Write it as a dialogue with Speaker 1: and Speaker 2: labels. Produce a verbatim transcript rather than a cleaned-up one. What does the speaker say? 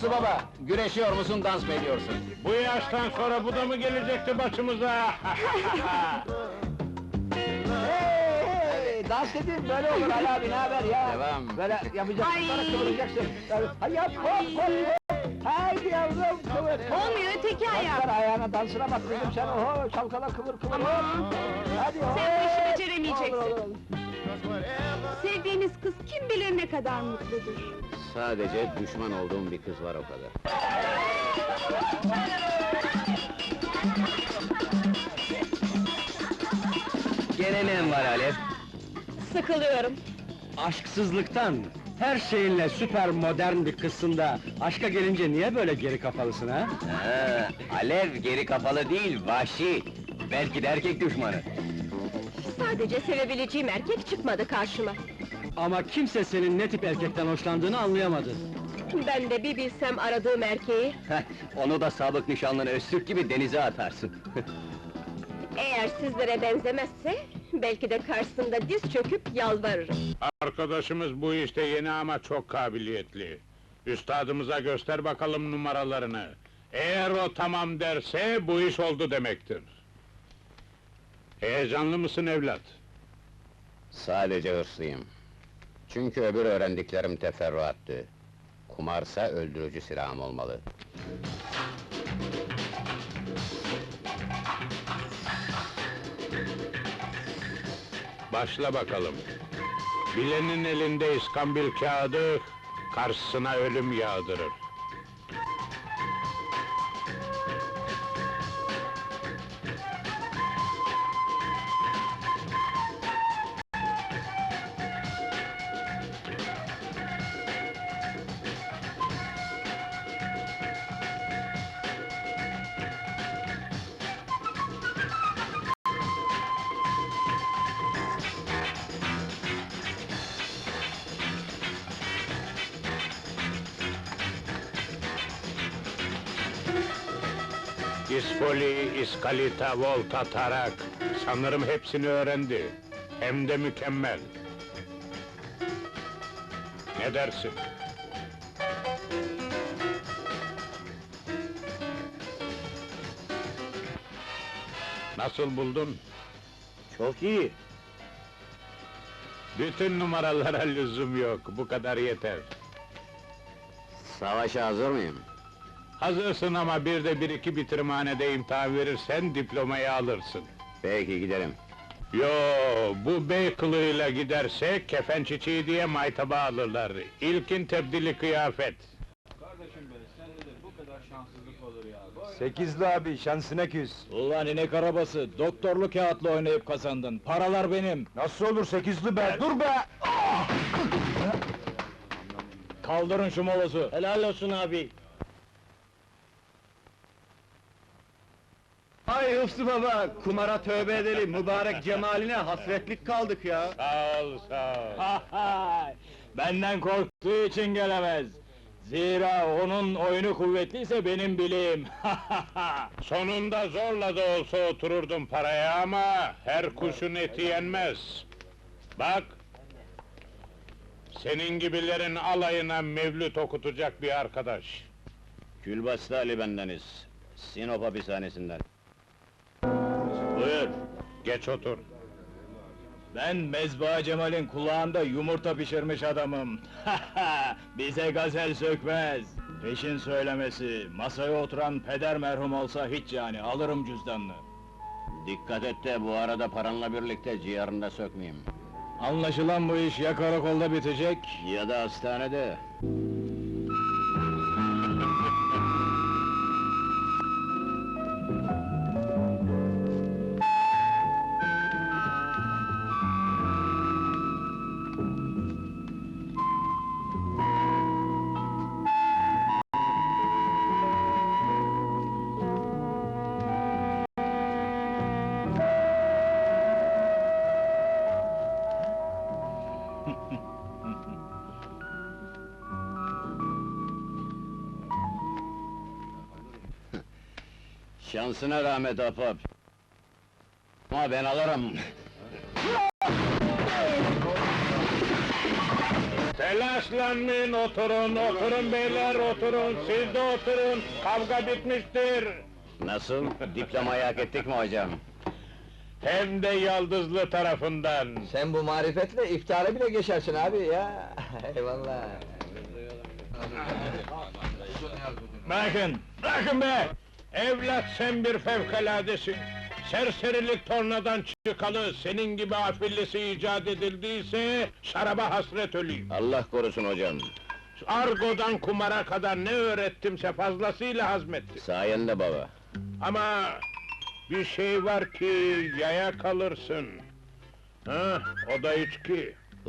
Speaker 1: Hıfzı baba, güreşiyor musun, dans mı ediyorsun?
Speaker 2: Bu yaştan sonra bu da mı gelecekti başımıza?
Speaker 3: Hey, hey, dans dediğin böyle olur Ali abi, ne haber ya?
Speaker 1: Devam.
Speaker 3: Böyle yapacaksın,
Speaker 4: Ay!
Speaker 3: sonra kıvıracaksın. Hay yap, hop hop hop! Haydi yavrum, kıvır!
Speaker 4: Olmuyor, öteki ayak!
Speaker 3: Bak ayağına, dansına bak kızım sen, oho, çalkala kıvır kıvır hop! Hadi hop!
Speaker 4: Sen bu işi beceremeyeceksin.
Speaker 3: Olur, olur, olur.
Speaker 4: Sevdiğiniz kız kim bilir ne kadar mutludur.
Speaker 1: Sadece düşman olduğum bir kız var, o kadar.
Speaker 5: Gene ne var Alev?
Speaker 4: Sıkılıyorum.
Speaker 5: Aşksızlıktan, her şeyinle süper modern bir kızsın da, aşka gelince niye böyle geri kafalısın ha?
Speaker 6: Ha, Alev geri kapalı değil, vahşi! Belki de erkek düşmanı!
Speaker 4: Sadece sevebileceğim erkek çıkmadı karşıma.
Speaker 5: Ama kimse senin ne tip erkekten hoşlandığını anlayamadı.
Speaker 4: Ben de bir bilsem aradığım erkeği,
Speaker 6: Heh, onu da sabık nişanlını Öztürk gibi denize atarsın!
Speaker 4: eğer sizlere benzemezse, belki de karşısında diz çöküp yalvarırım.
Speaker 2: Arkadaşımız bu işte yeni ama çok kabiliyetli. Üstadımıza göster bakalım numaralarını. Eğer o tamam derse, bu iş oldu demektir. Heyecanlı mısın evlat?
Speaker 1: Sadece hırslıyım. Çünkü öbür öğrendiklerim teferruattı. Kumarsa öldürücü silahım olmalı.
Speaker 2: Başla bakalım. Bilenin elinde iskambil kağıdı, karşısına ölüm yağdırır. İspoli, iskalita, volta, tarak... Sanırım hepsini öğrendi. Hem de mükemmel. Ne dersin? Nasıl buldun?
Speaker 6: Çok iyi!
Speaker 2: Bütün numaralara lüzum yok, bu kadar yeter.
Speaker 1: Savaşa hazır mıyım?
Speaker 2: Hazırsın ama bir de bir iki bitirmanede imtihan verirsen diplomayı alırsın.
Speaker 1: Peki, gidelim.
Speaker 2: Yo, bu bey kılığıyla giderse kefen çiçeği diye maytaba alırlar. İlkin tebdili kıyafet.
Speaker 7: Sekizli abi, şansına küs.
Speaker 5: Ulan inek arabası, doktorlu kağıtla oynayıp kazandın, paralar benim!
Speaker 7: Nasıl olur sekizli be, dur be!
Speaker 5: Kaldırın şu molozu! Helal olsun abi!
Speaker 6: Ay Hıfzı baba, kumara tövbe edelim, mübarek cemaline hasretlik kaldık ya!
Speaker 2: Sağ ol, sağ ol.
Speaker 5: Benden korktuğu için gelemez! Zira onun oyunu kuvvetliyse benim bileğim!
Speaker 2: Sonunda zorla da olsa otururdum paraya ama... ...her kuşun eti yenmez. Bak! Senin gibilerin alayına mevlüt okutacak bir arkadaş.
Speaker 1: Külbastı Ali bendeniz. Sinop hapishanesinden.
Speaker 2: Buyur, geç otur.
Speaker 5: Ben Mezba Cemal'in kulağında yumurta pişirmiş adamım! Bize gazel sökmez! Peşin söylemesi, masaya oturan peder merhum olsa hiç yani, alırım cüzdanını!
Speaker 1: Dikkat et de bu arada paranla birlikte ciğerini de sökmeyeyim.
Speaker 5: Anlaşılan bu iş ya karakolda bitecek...
Speaker 1: Ya da hastanede. Şansına rahmet ahbap. Ama ben alırım.
Speaker 2: Telaşlanmayın, oturun, oturun beyler, oturun, siz de oturun, kavga bitmiştir.
Speaker 1: Nasıl? Diplomayı hak ettik mi hocam?
Speaker 2: Hem de yaldızlı tarafından.
Speaker 3: Sen bu marifetle iftara bile geçersin abi ya. Eyvallah.
Speaker 2: Bırakın, bırakın be! Evlat sen bir fevkaladesin. Serserilik tornadan çıkalı, senin gibi afillisi icat edildiyse, şaraba hasret öleyim.
Speaker 1: Allah korusun hocam.
Speaker 2: Argodan kumara kadar ne öğrettimse fazlasıyla hazmetti.
Speaker 1: Sayende baba.
Speaker 2: Ama bir şey var ki yaya kalırsın. Ha, o da içki.